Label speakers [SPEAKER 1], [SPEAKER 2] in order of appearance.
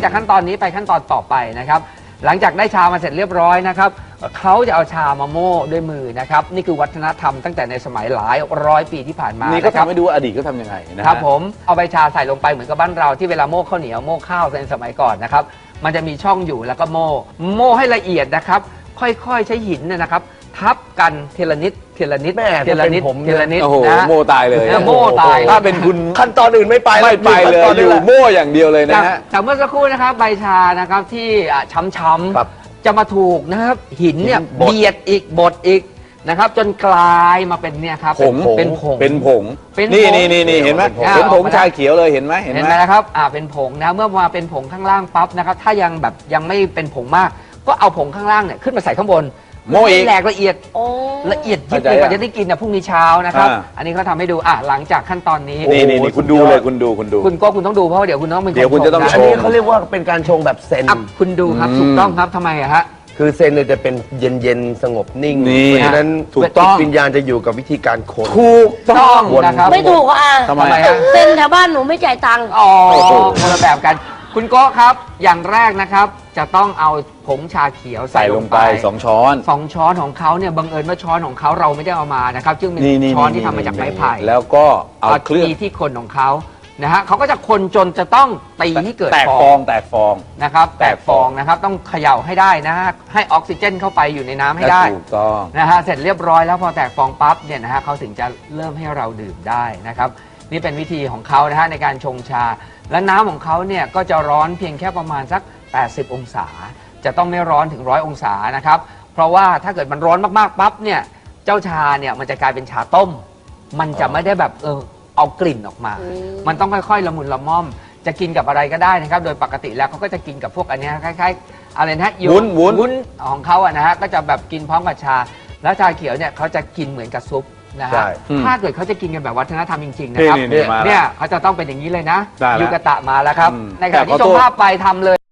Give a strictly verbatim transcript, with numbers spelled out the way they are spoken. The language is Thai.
[SPEAKER 1] จากขั้นตอนนี้ไปขั้นตอนต่อไปนะครับหลังจากได้ชามาเสร็จเรียบร้อยนะครับเขาจะเอาชามาโม่ด้วยมือนะครับนี่คือวัฒนธรรมตั้งแต่ในสมัยหลายร้อยปีที่ผ่านมา
[SPEAKER 2] นี่ก็ทำให้ดูว่าอดีตก็ทำยังไงนะครับ
[SPEAKER 1] ผมเอาใบชาใส่ลงไปเหมือนกับบ้านเราที่เวลาโม่ข้าวเหนียวโม่ข้าวในสมัยก่อนนะครับมันจะมีช่องอยู่แล้วก็โม่โม่ให้ละเอียดนะครับค่อยๆใช้หินเนี่ยนะครับทับกันเทละนิดเทละนิดเทละนิดเทละนิด
[SPEAKER 2] โอ้โห
[SPEAKER 1] นะ
[SPEAKER 2] โม่ตายเลย
[SPEAKER 1] โม่ตาย
[SPEAKER 2] ถ้าเป็นคุณ
[SPEAKER 3] ขั้นตอนอื่นไม่ไป
[SPEAKER 2] ไม่ไปเลยอยู่โม่อย่างเดียวเลยนะฮะ
[SPEAKER 1] แต่เมื่อสักครู่นะครับใบชานะครับที่ช้ำ
[SPEAKER 3] ครับ
[SPEAKER 1] ๆจะมาถูกนะครับหินเนี่ย
[SPEAKER 3] บด
[SPEAKER 1] เบียดอีกบดอีกนะครับจนกลายมาเป็นเนี่ยครับ
[SPEAKER 2] ผง
[SPEAKER 1] เป็นผง
[SPEAKER 2] เป็นผง
[SPEAKER 1] เป็นผง
[SPEAKER 2] นี่นี่นี่นี่เห็นไหม
[SPEAKER 1] เป็นผง
[SPEAKER 2] เป็นผงชาเขียวเลยเห็นไหมเห็น
[SPEAKER 1] เห็น
[SPEAKER 2] ไห
[SPEAKER 1] ไห
[SPEAKER 2] ม
[SPEAKER 1] มนะครับอ่าเป็นผงนะเมื่อมาเป็นผงข้างล่างปั๊บนะครับถ้ายังแบบยังไม่เป็นผงมาก ก็เอาผงข้างล่างเนี่ยขึ้นมาใส่ข้างบน
[SPEAKER 2] โม่อีก
[SPEAKER 1] ให้แหลกละเอียด
[SPEAKER 4] โอ้
[SPEAKER 1] ละเอียดยิบเลยกว่าจะได้กินนะพรุ่งนี้เช้านะครับ
[SPEAKER 2] อ่า
[SPEAKER 1] อันนี้เขาทำให้ดูอ่ะหลังจากขั้นตอนนี้
[SPEAKER 2] นี่นี่นี่คุณดูเลยคุณดูคุณดู
[SPEAKER 1] คุณก็คุณต้องดูเพราะว่าเดี๋ยวคุณต้องเป็นน
[SPEAKER 2] เดี๋ยวคุณจะต้อง
[SPEAKER 1] ช
[SPEAKER 3] อัน
[SPEAKER 1] ม
[SPEAKER 3] นี้
[SPEAKER 1] นะ
[SPEAKER 3] เขาเรียกว่าเป็นการชงแบบเซน
[SPEAKER 1] อ่ะคุณดูครับ
[SPEAKER 2] อืม
[SPEAKER 1] ถูกต้องครับทำไมอะฮะ
[SPEAKER 3] คือเซนเนี่ยจะเป็นเย็นๆสงบนิ่ง
[SPEAKER 2] นี่
[SPEAKER 3] เพราะฉะนั้น
[SPEAKER 2] ถูกต้อง
[SPEAKER 3] จิวิญญาณจะอยู่กับวิธีการคน
[SPEAKER 2] ถูกต้อง
[SPEAKER 1] นะครับ
[SPEAKER 4] ไม่ถูกอ่ะ
[SPEAKER 2] ทำไม
[SPEAKER 1] ทำไมฮะ
[SPEAKER 4] เซ็นแถวบ้านหนูไม่จ่ายตังค์
[SPEAKER 1] อ๋อ
[SPEAKER 2] โอ้โห
[SPEAKER 1] คนละแบบกัน คุณโก้ครับ อย่างแรกนะครับ จะต้องเอาผงชาเขียวใส่
[SPEAKER 2] ใส่
[SPEAKER 1] ล
[SPEAKER 2] ล
[SPEAKER 1] ง
[SPEAKER 2] ง
[SPEAKER 1] ไป
[SPEAKER 2] ไปสองช้อน
[SPEAKER 1] สองช้อนของเขาเนี่ยบังเอิญว่าช้อนของเขาเราไม่ได้เอามานะครับซึ่งเป็น
[SPEAKER 2] นี่นี่
[SPEAKER 1] ช้อนที่ทำมาจากไม้ไผ่
[SPEAKER 2] แล้วก็เอาเครื่อง
[SPEAKER 1] ตีที่คนของเขานะฮะเขาก็จะคนจนจะต้องตีให้เกิด
[SPEAKER 2] แตก
[SPEAKER 1] ฟ
[SPEAKER 2] ฟ
[SPEAKER 1] อ
[SPEAKER 2] อง งแตกฟอง
[SPEAKER 1] นะครับ
[SPEAKER 2] แต
[SPEAKER 1] แต
[SPEAKER 2] ก
[SPEAKER 1] ก
[SPEAKER 2] ฟ
[SPEAKER 1] ฟ
[SPEAKER 2] อ
[SPEAKER 1] อง งนะครับต้องเขย่าให้ได้นะฮะให้ออกซิเจนเข้าไปอยู่ในน้ำให้ได้
[SPEAKER 2] ถูกต้อง
[SPEAKER 1] นะฮะเสร็จเรียบร้อยแล้วพอแตกฟองปั๊บเนี่ยนะฮะเขาถึงจะเริ่มให้เราดื่มได้นะครับนี่เป็นวิธีของเขานะฮะในการชงชา และน้ำของเขาเนี่ยก็จะร้อนเพียงแค่ประมาณสักแปดสิบองศา จะต้องไม่ร้อนถึงร้อยองศานะครับเพราะว่าถ้าเกิดมันร้อนมากๆปั๊บเนี่ยเจ้าชาเนี่ยมันจะกลายเป็นชาต้ม มันจะไม่ได้แบบเออเอากลิ่นออกมา มันต้องค่อยๆละมุนละม่อมจะกินกับอะไรก็ได้นะครับโดยปกติแล้วเขาก็จะกินกับพวกอันเนี้ยคล้ายๆอะไรนะโย
[SPEAKER 2] วุ้นวุ้น
[SPEAKER 1] วุ้นของเขาอะนะฮะก็จะแบบกินพร้อมกับชา แล้วชาเขียวเนี่ยเขาจะกินเหมือนกับซุปนะ
[SPEAKER 3] ใช่
[SPEAKER 1] ฮะถ้าเกิดเขาจะกินกันแบบวัฒนธรรมจริงๆนะ
[SPEAKER 2] นี่
[SPEAKER 1] ครับ
[SPEAKER 2] นี่นี่มาแล้ว
[SPEAKER 1] เนี่ยเขาจะต้องเป็นอย่างนี้เลยนะ
[SPEAKER 2] ได้แล้ว
[SPEAKER 1] ยูกะตะมาแล้วครับ
[SPEAKER 2] อืม
[SPEAKER 1] ในขณะ
[SPEAKER 2] แต่ข
[SPEAKER 1] ที่
[SPEAKER 2] อ
[SPEAKER 1] ช
[SPEAKER 2] โท
[SPEAKER 1] ม
[SPEAKER 2] ษ
[SPEAKER 1] ภาพไปทำเลย